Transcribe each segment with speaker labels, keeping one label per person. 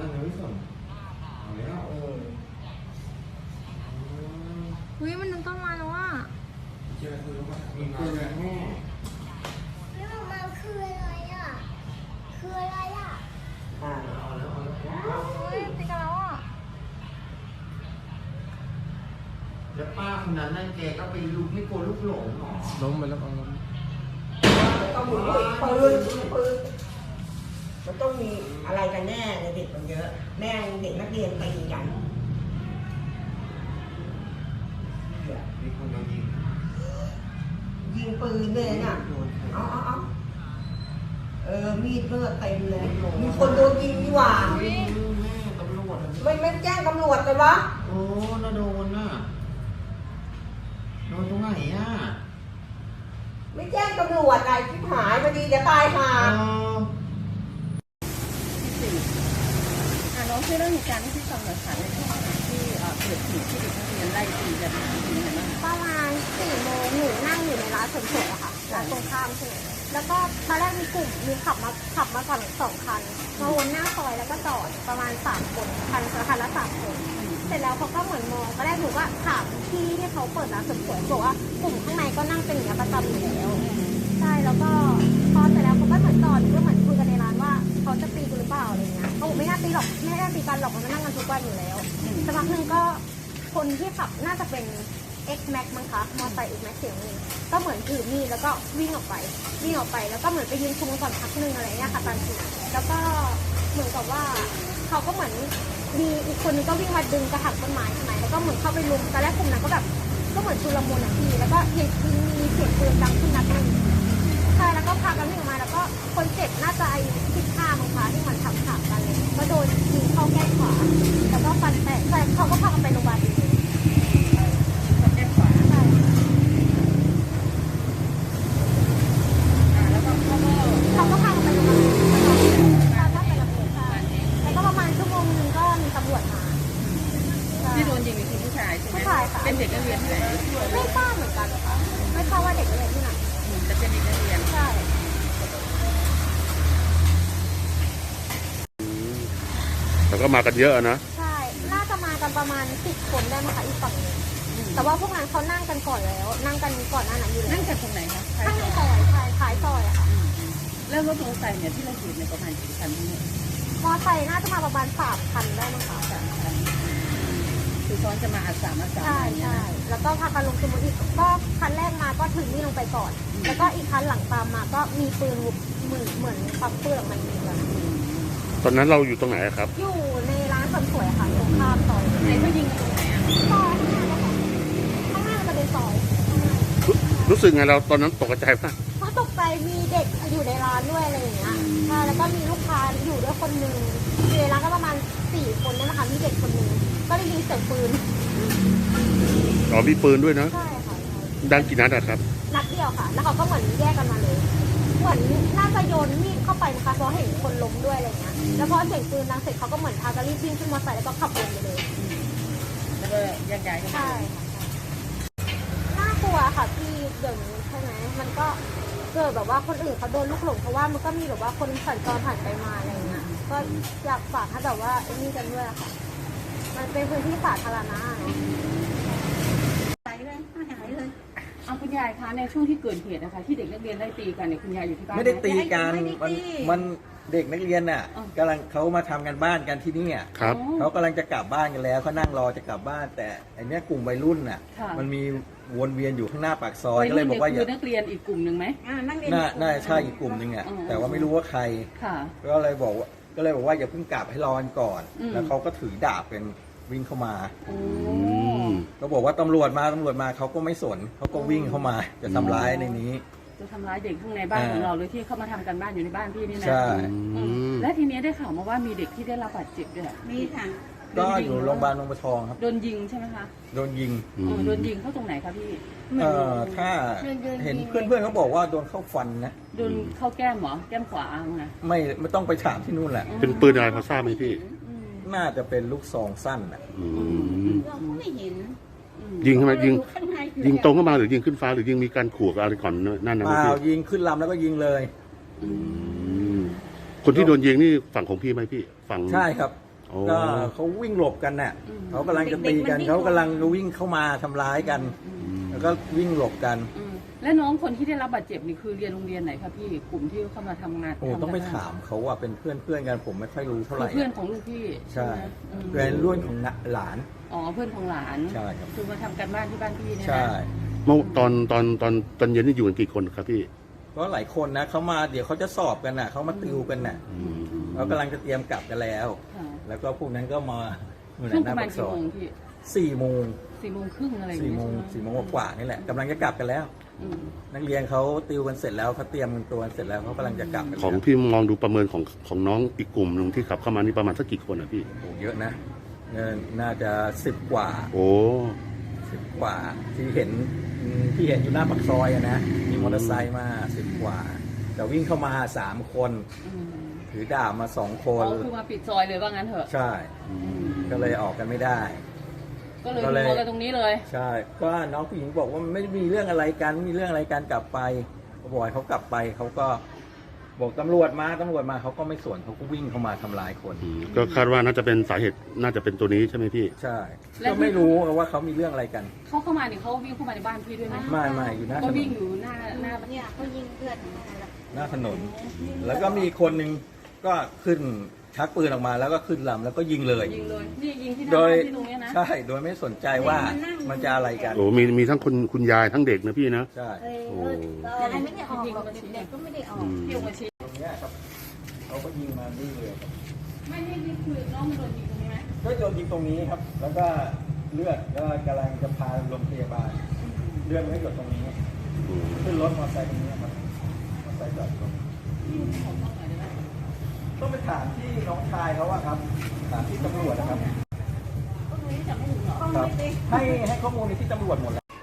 Speaker 1: นั่นยังไม่ส่งเอาแล้ว
Speaker 2: อุ้ยมันนึกต้นไม้แล้วว่า
Speaker 1: เจอคือว่ามีเพื่อนแม่
Speaker 3: แล้วมันคืออะไรอ่ะคืออะไรอ่ะ
Speaker 1: เอาแล้ว
Speaker 2: อุ้ยติดกันแล้วอ่ะ
Speaker 1: แล้วป้าคนนั้นนั่นแกก็ไปลุกไม่กลัวลูกหลงหรอล้มไปแล้วล้ม
Speaker 4: ต้องมีปืนมันต้องมีอะไรกันแน่เด็กมันเยอะแม่เด็กนักเรียนตีกัน
Speaker 1: มีคนโดนยิง
Speaker 4: ปืนเลยน่ะเอามีดเลือดเต็มเลยมีคนโดนยิงดีกว่า
Speaker 1: แม่ตำรวจ
Speaker 4: ไม่แจ้งตำรวจเลยวะ
Speaker 1: โอ้น่าโดนน่ะโดนตรงไหนอ่ะ
Speaker 4: ไม่แจ้งตำรวจอะไรที่หายพอดีจะตายห่า
Speaker 5: น้องช่วยเล่าเหตุการณ์ที่ฟังหน่อยค่ะในช่วงที่เกิดเหตุที่เด็กนักเรียนไล่ตีกันเป็นยังไงบ้าง
Speaker 2: ประมาณ4 โมงหนูนั่งอยู่ในร้านเสริมสวยอะค่ะร้านตรงข้ามใช่ไหมแล้วก็ตอนแรกมีขับมาก่อน2 คันมาวนหน้าซอยแล้วก็จอดประมาณ3 คนคันละ3 คนเสร็จแล้วเขาก็เหมือนมองตอนแรกหนูก็ถามพี่ที่เขาเปิดร้านเสริมสวยบอกว่ากลุ่มข้างในก็นั่งเป็นอย่างนี้ประจำอยู่แล้วใช่แล้วก็พอเสร็จแล้วเขาก็เหมือนจอดก็เหมือนคุยกันในร้านว่าเขาจะตีกูหรือเปล่าอะไรเงี้ยเขาบอกไม่น่าตีหรอกไม่น่าตีกันหรอกมันนั่งกันทุกวันอยู่แล้วสักพักหนึ่งก็คนที่ขับน่าจะเป็น X Max มั้งคะมอเตอร์ไซค์ X Max เสียงนึงก็เหมือนถือมีดแล้วก็วิ่งออกไปแล้วก็เหมือนไปยืนคุมก่อนพักนึงอะไรเงี้ยค่ะตอนทีแล้วก็เหมือนกับว่าเขาก็เหมือนมีอีกคนนึงก็วิ่งมาดึงกระถางต้นไม้ใช่ไหมแล้วก็เหมือนเข้าไปลุมตอนแรกกลุ่มนั้นก็แบบก็เหมือนชุลมุนอ่ะพี่แล้วก็มีเสียงปืนดังขึ้นนัดนึงใช่แล้วก็พากันวิ่งออกมาแล้วก็คนเจ็บน่าจะอายุ15มั้งคะที่มันขับกันเลยก็โดนยิงเข้าแก้มขวาแล้วก็ฟันแตกแต่เขาก็พากันไปโรงพยาบาลเขาก็พากันไปโรงพยาบาลแล้วก็ประมาณชั่วโมงนึงก็มีตำรวจมา
Speaker 5: ที่โดนยิงเป็นผู้ชายใช่ไหม
Speaker 2: ผู้ชายค่ะ
Speaker 5: เป็นเด็กนักเรียนที่ไหน
Speaker 2: ไม่ทราบเหมือนกันค่ะไม่ทราบว่าเด็กนักเรียนที่ไหน
Speaker 5: จะเป็นเด็กนักเรียน
Speaker 2: ใช่
Speaker 6: แล้วก็มากันเยอะนะ
Speaker 2: ใช่น่าจะมากันประมาณ10 คนได้ไหมคะอีกฝั่งนึงแต่ว่าพวกนั้นเขานั่งกันก่อนแล้วนั่งกันก่อนหน้านั้นอยู่แล้ว
Speaker 5: นั่งกันตรงไหนคะ
Speaker 2: ข้างในซอยท้ายซอยอะค่ะ
Speaker 5: แล้วรถมอเตอร์ไซค์เนี่ยที่เราเห็นในประมาณกี่คันนี่
Speaker 2: มอไซค์น่าจะมาประมาณ3 คันได้มั้งคะ
Speaker 5: 3 คันคือซ้อนจะมา3
Speaker 2: ใช่แล้วก็พากันลงสมุทรอีกก็คันแรกมาก็ถึงนี่ลงไปก่อนแล้วก็อีกคันหลังตามมาก็มีปืนเหมือนปักปืนออกมายิงกัน
Speaker 6: ตอนนั้นเราอยู่ตรงไหนครับ
Speaker 2: อยู่ในร้านเสริมสวยค่ะตรงข้ามซอย
Speaker 5: ไหนก็ยิงตรงไหน
Speaker 2: ซอยข้างหน้าจะเป็นซอย
Speaker 6: รู้สึกไงเราตอนนั้นตกใจมาก
Speaker 2: เพราะตกใจมีเด็กอยู่ในร้านด้วยอะไรอย่างเงี้ยแล้วก็มีลูกค้าอยู่ด้วยคนนึงอยู่ในร้านก็ประมาณ4 คนนั่นแหละค่ะมีเด็กคนนึงก็ได้ยินเสียงปืน
Speaker 6: อ๋อมีปืนด้วยนะ
Speaker 2: ใช่ค่ะ
Speaker 6: ดังกี่นัดครับ
Speaker 2: นัดเดียวค่ะแล้วเขาก็เหมือนแยกกันมาเลยเหมือนน่าจะโยนมีดเข้าไปนะคะเพราะเห็นคนล้มด้วยอะไรเงี้ยแล้วพอเสียงปืนดังเสร็จเขาก็เหมือนพากันรีบวิ่งขึ้นมอเตอร์ไซค์แล้วก็ขับวนไปเลย
Speaker 5: แล้วก็แยกย้ายกัน
Speaker 2: ใช่น่ากลัวค่ะพี่เดี๋ยวนี้ใช่ไหมมันก็เกิดแบบว่าคนอื่นเขาโดนลูกหลงเพราะว่ามันก็มีแบบว่าคนสัญจรผ่านไปมาอะไรเงี้ยก็อยากฝากให้แบบว่าไอ้นี่กันด้วยค่ะมันเป็นพื้นที่สาธารณะเนาะ
Speaker 5: หายเลยเอาคุณยายคะในช่วงที่เกิดเหตุนะคะที่เด็กนักเรียนไล่ตีกันเนี่ยคุณยายอยู่ที่บ้าน
Speaker 7: ไม่ได้ตีกันมันเด็กนักเรียนน่ะกำลังเขามาทำกันบ้านกันที่นี่
Speaker 6: ครับ
Speaker 7: เขากำลังจะกลับบ้านกันแล้วเขานั่งรอจะกลับบ้านแต่อันนี้กลุ่มวัยรุ่นน่ะมันมีวนเวียนอยู่ข้างหน้าปากซอยก็เลยบอกว่า
Speaker 5: คือนักเรียนอีกกลุ่มหนึ่งไหม
Speaker 7: น่าใช่อีกกลุ่มหนึ่งอ่ะแต่ว่าไม่รู้ว่าใครก็เลยบอกว่าอย่าเพิ่งกลับให้รอก่อนแล้วเขาก็ถือดาบเป็นวิ่งเข้ามาก็บอกว่าตำรวจมาเขาก็ไม่สนเขาก็วิ่งเข้ามาจะทำร้ายในนี้
Speaker 5: จะทำร้ายเด็กข้างในบ้านของเราเลยที่เข้ามาทำกันบ้านอยู่ในบ้านพี่นี่นะ
Speaker 7: ใช่
Speaker 5: และทีนี้ได้ข่าวมาว่ามีเด็กที่ได้รับบาดเจ็บด้วยมีค่ะ
Speaker 7: ก็อยู่โรงพยาบาลบางบัวทองครับ
Speaker 5: โดนยิงใช่ไหมคะ
Speaker 7: โดนยิง
Speaker 5: เข้าตรงไหนคะพี่
Speaker 7: ถ้าเห็นเพื่อนเขาบอกว่าโดนเข้าฟันนะ
Speaker 5: โดนเข้าแก้มเหรอแก้มขวาไง
Speaker 7: ไม่ต้องไปถามที่นู่นแหละ
Speaker 6: เป็นปืนอะไรพอทราบไหมพี่
Speaker 7: น่าจะเป็นลูกซองสั้นอ่ะ
Speaker 5: เราไม่เห็น
Speaker 6: ยิงเข้ามายิงตรงเข้ามาหรือยิงขึ้นฟ้าหรือยิงมีการขู่อะไรก่อนนั่นนะ
Speaker 7: พี่ยิงขึ้นลำแล้วก็ยิงเลย
Speaker 6: คนที่โดนยิงนี่ฝั่งของพี่ไหมพี่ฝั่ง
Speaker 7: ใช่ครับ
Speaker 6: โอ้
Speaker 7: ก็เขาวิ่งหลบกันน่ะเขากำลังจะตีกันเขากำลังวิ่งเข้ามาทำร้ายกัน แล้วก็วิ่งหลบกัน
Speaker 5: และน้องคนที่ได้รับบาดเจ็บนี่คือเรียนโรงเรียนไหนคะพี่กลุ่มที่เข้ามาทำงาน
Speaker 7: โอ้ต้องไปถามเขาว่าเป็นเพื่อนกันผมไม่ค่อยรู้เท่าไหร่
Speaker 5: เพื่อนของลูกพี่
Speaker 7: ใช่
Speaker 5: ไหม
Speaker 7: เป็นรุ่นของหลาน
Speaker 5: อ๋อเพื่อนของหลาน
Speaker 7: ใช่ครับ
Speaker 5: คือมาทำกันบ้านที่บ้านพี่เนี่ยนะ
Speaker 7: ใช่
Speaker 6: เมื่อตอนเย็นนี่อยู่กันกี่คนครับพี่
Speaker 7: ก็หลายคนนะเขามาเดี๋ยวเขาจะสอบกันน่ะเขามาติวกันน่ะเขากำลังจะเตรียมกลับกันแล้ว
Speaker 5: ค่ะ
Speaker 7: แล้วก็พวกนั้นก็มาอยู่ใน
Speaker 5: ช่วง
Speaker 7: ห
Speaker 5: ป
Speaker 7: น้า
Speaker 5: ระมา
Speaker 7: ปา
Speaker 5: ณ
Speaker 7: กซ
Speaker 5: กี่
Speaker 7: อ
Speaker 5: โม
Speaker 7: ย
Speaker 5: งพี่
Speaker 7: 4 โมง
Speaker 5: 4 โมงครึ่งอะไรอย่าง
Speaker 7: 4
Speaker 5: เงี้ย
Speaker 7: โมง
Speaker 5: ใช่ไหม
Speaker 7: 4 โมงกว่านี่แหละกำลังจะกลับกันแล้ว
Speaker 5: อืม
Speaker 7: นักเรียนเขาติวกันเสร็จแล้วเขาเตรียมตัวกันเสร็จแล้วเขากำลังจะกลับกัน
Speaker 6: ของ
Speaker 7: แล้ว
Speaker 6: พี่มองดูประเมินของน้องอีกกลุ่มหนึ่งที่ขับเข้ามานี่ประมาณสักกี่คนอ่ะพี่
Speaker 7: โอ้เยอะนะน่าจะ10 กว่า
Speaker 6: โอ้
Speaker 7: 10 กว่าที่เห็นอยู่หน้าปากซอยอะนะมีมอเตอร์ไซค์มา10 กว่าแต่วิ่งเข้ามา3 คน
Speaker 5: อืม
Speaker 7: ถือดาบมา2 ค
Speaker 5: อ๋
Speaker 7: น
Speaker 5: อคือมาปิดซอยเลยว่างั้นเถอะ
Speaker 7: ใช่ ก็เลยออกกันไม่ได้
Speaker 5: ก็เลย
Speaker 7: ก็เลย
Speaker 5: นัวกันตรงนี้เลย
Speaker 7: ใช่ก็น้องผู้หญิงบอกว่าไม่มีเรื่องอะไรกันไม่มีเรื่องอะไรกันกลับไปก็บอกให้เขากลับไปเขาก็บอกตำรวจมาเขาก็ไม่สวนเขาก็วิ่งเข้ามาทำร้ายคน
Speaker 6: ก็คาดว่าน่าจะเป็นสาเหตุน่าจะเป็นตัวนี้ใช่ไหมพี่
Speaker 7: ใช่ก็ไม่รู้ว่าเขามีเรื่องอะไรกัน
Speaker 5: เขาเข้ามาเนี่ยเขาวิ่งเข้ามาในบ้านพี่ด้วยไหม
Speaker 7: ไม่อยู่หน้าถ
Speaker 5: ก็
Speaker 7: น
Speaker 5: วิ่ง
Speaker 7: น
Speaker 5: อยู่หน้า
Speaker 2: เนี่ยเขายิงเพื่อน
Speaker 7: หน้าถนน แล้วก็มีคนหนึ่งก็ขึ้นชักปืนออกมาแล้วก็ขึ้นลำแล้วก็ยิงเลย
Speaker 5: ยิงเลยนี่ยิงที่หน้า
Speaker 7: โดย
Speaker 5: บ้านที่ตรงเนี้ยนะ
Speaker 7: ใช่โดยไม่สนใจว่ามันจะอะไรกัน
Speaker 6: โอ้มีทั้งคุณยายทั้งเด็กนะพี่นะ
Speaker 7: ใช่
Speaker 6: โอ้
Speaker 2: ยายไม่ได้ออกหรอกเด็กๆก็ไม่ได้ออก
Speaker 5: พี่ออกมาชี้
Speaker 7: ตรงเนี้ยครับเขาก็ยิงมานี่เลยครับ
Speaker 5: ไม่นี่คือน้องมันโดนยิงตรงนี้ไหม
Speaker 7: ก็โดนยิงตรงนี้ครับ แล้วก็เลือดก็กำลังจะพาโรงพยาบาลเลือดไม่หยดตรงนี้ขึ้นรถมอเตอร์ไซค์ตรงนี้ครับมอเตอร์ไซค์จอดตรง
Speaker 5: พี่ขอต้องหน่อยได้ไหม
Speaker 7: ต้องไปถามที่น้องชายเขาอะครับถามที่ตำรวจนะครับ
Speaker 5: ก็รู้จักไม่ถึงหรอ
Speaker 7: ครับให้ข้อมูลในที่ตำรวจหมดแล้ว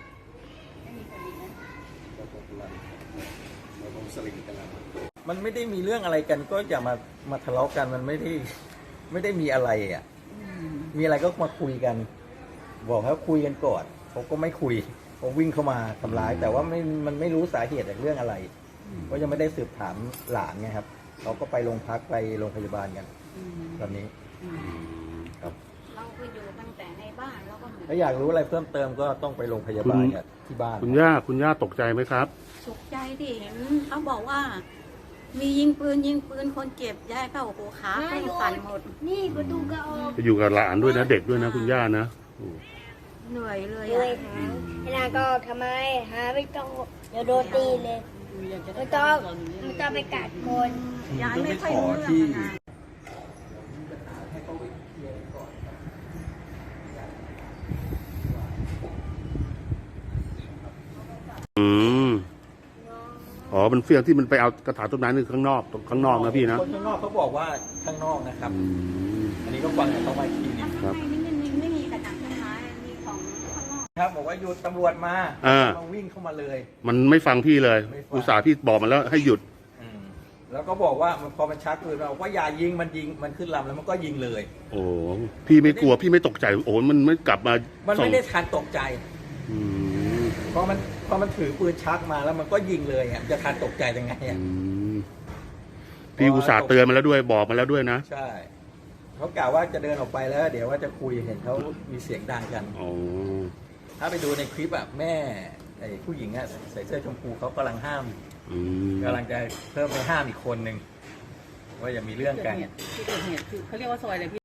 Speaker 7: มันไม่ได้มีเรื่องอะไรกันก็อย่ามาทะเลาะกันมันไม่ได้มีอะไรอ่ะมีอะไรก็มาคุยกัน บอกให้คุยกันก่อนเขาก็ไม่คุยเขาวิ่งเข้ามาทำร้าย แต่ว่ามันไม่รู้สาเหตุจากเรื่องอะไรเพราะยังไม่ได้สืบถามหลานไงครับเขาก็ไปโรงพักไปโรงพยาบาลกันตอนนี้ครับ
Speaker 2: เราก็อยู่ตั้งแต่ในบ้านแล้วก็
Speaker 7: ถ้าอยากรู้อะไรเพิ่มเติมก็ต้องไปโรงพยาบาลกับที่บ้าน
Speaker 6: คุณย่าตกใจไหมครับ
Speaker 8: สุขใจที่เห็นเขาบอกว่า มียิงปืนคนเจ็บย้ายเข้าหัวขาเพิ่งสั่นหมด
Speaker 3: นี่ประตูก็ออก
Speaker 6: ไปอยู่กับหลานด้วยนะเด็กด้วยนะคุณย่านะโอ้
Speaker 8: เหนื่อยเลย
Speaker 3: เลย
Speaker 8: อะ
Speaker 3: หาไอ้นาก็ทำไมหาไม่ต้องเดี๋ยวโดนตีเลยไม่ต้องไปกัดคน
Speaker 8: ย้ายไม่ค่อย
Speaker 7: ขอ
Speaker 8: รู้
Speaker 7: ที่
Speaker 8: เรื่องอะนะ
Speaker 6: อืมอ๋อมันเฟี้ยงที่มันไปเอากระถางต้นไม้นี่ข้างนอกนะพี่นะ
Speaker 7: คนข้างนอกเขาบอกว่าข้างนอกนะครับ
Speaker 6: อืม
Speaker 7: อันนี้ก็ฟังจากเขามาอีกทีนึง
Speaker 6: ครับ
Speaker 8: ไม่มีกระถางต้นไม้มีของข้างนอก
Speaker 7: ครับบอกว่าหยุดตำรวจมา
Speaker 6: อ่า
Speaker 7: มาวิ่งเข้ามาเลย
Speaker 6: มันไม่ฟังพี่เลย
Speaker 7: ไม่ฟัง
Speaker 6: อุตส่าห์พี่บอกมันแล้วให้หยุด
Speaker 7: แล้วก็บอกว่าพอมันชักปืนเราว่าอย่ายิงมันขึ้นลำแล้วมันก็ยิงเลย
Speaker 6: โอ้พี่ไม่กลัวพี่ไม่ตกใจโอ้มันไม่กลับมา
Speaker 7: มัน
Speaker 6: ส่
Speaker 7: ไม่
Speaker 6: ง
Speaker 7: ได้ทันตกใจ
Speaker 6: อืม
Speaker 7: พอมันถือปืนชักมาแล้วมันก็ยิงเลยอ่ะจะทันตกใจยังไงอ่ะ
Speaker 6: อืมพี่อุตส่าห์เตือนมาแล้วด้วยบอกมาแล้วด้วยนะ
Speaker 7: ใช่เขากล่าวว่าจะเดินออกไปแล้ว เดี๋ยวว่าจะคุยเห็นเขามีเสียงดังกัน
Speaker 6: อ๋อ
Speaker 7: ถ้าไปดูในคลิปอ่ะแม่ไอ้ผู้หญิงอ่ะใส่เสื้อชมพูเขากำลังห้าม
Speaker 6: อืม
Speaker 7: กำลังจะเพิ่มไปห้ามอีกคนหนึ่งว่าอย่ามีเรื่องกัน
Speaker 5: ที่เกิดเหตุคือเขาเรียกว่าซอยอะไรพี่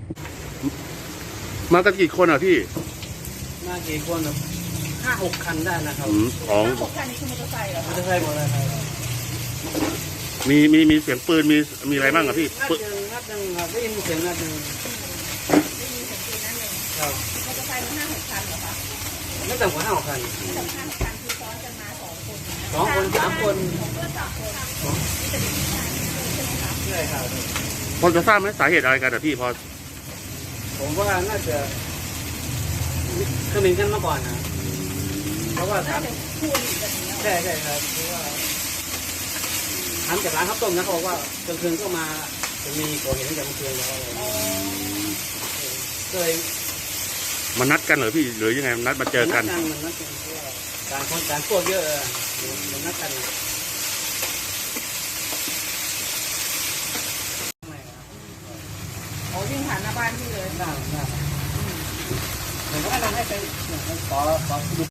Speaker 6: มากันกี่คนอ่ะพี่
Speaker 1: มากี่คน5-6 คันได้นะครับ
Speaker 6: ของ
Speaker 5: 6 คันนี้คือมอเตอร์ไซค์เหรอ
Speaker 1: มอเตอร์ไซค์หมดเลยครับ
Speaker 6: มีเสียงปืนมีอะไรบ้างอ่ะพี่
Speaker 1: นัดหนึ่งครับได้ยินเสียงนัดหนึ่ง
Speaker 5: ได้ยินเสียงปืนนั่นเอง
Speaker 1: ครับ
Speaker 5: มอเตอร์ไซค์มัน5-6 คันเหรอคะ
Speaker 1: ไม่ต่ำกว่า5-6 คัน
Speaker 5: สำคัญคันคือซ้อนกันมา2 คน
Speaker 1: 2 คน 3 คน
Speaker 5: เพื่อน3 คน
Speaker 1: ใช่ครับ
Speaker 6: พอจะทราบไหมสาเหตุอะไรกันอ่ะพี่พอ
Speaker 1: ผมว่าน่าจะเขมิ้นกันมาก่อนนะเพราะว่าถาม
Speaker 5: คู่อริกันอย่างเงี้ย
Speaker 1: ใช่ครับเพราะว่าถามจากร้านข้าวต้มนะเขาบอกว่ากลางคืนก็มาจะมีก่อเหตุตั้งแต่เมื่อคืนแล้วอะไรอย่างเงี้ยก็เลย
Speaker 6: มานัดกันเหรอพี่หรือยังไงนัดมาเจอกัน
Speaker 1: มันนัดกันเพราะว่าต่างคนต่างพวกเยอะมันนัดกัน
Speaker 5: อ๋อวิ่งผ่านหน้าบ้านพี่เลย
Speaker 1: หน้าผมก็แนะนำให้ไปขอดู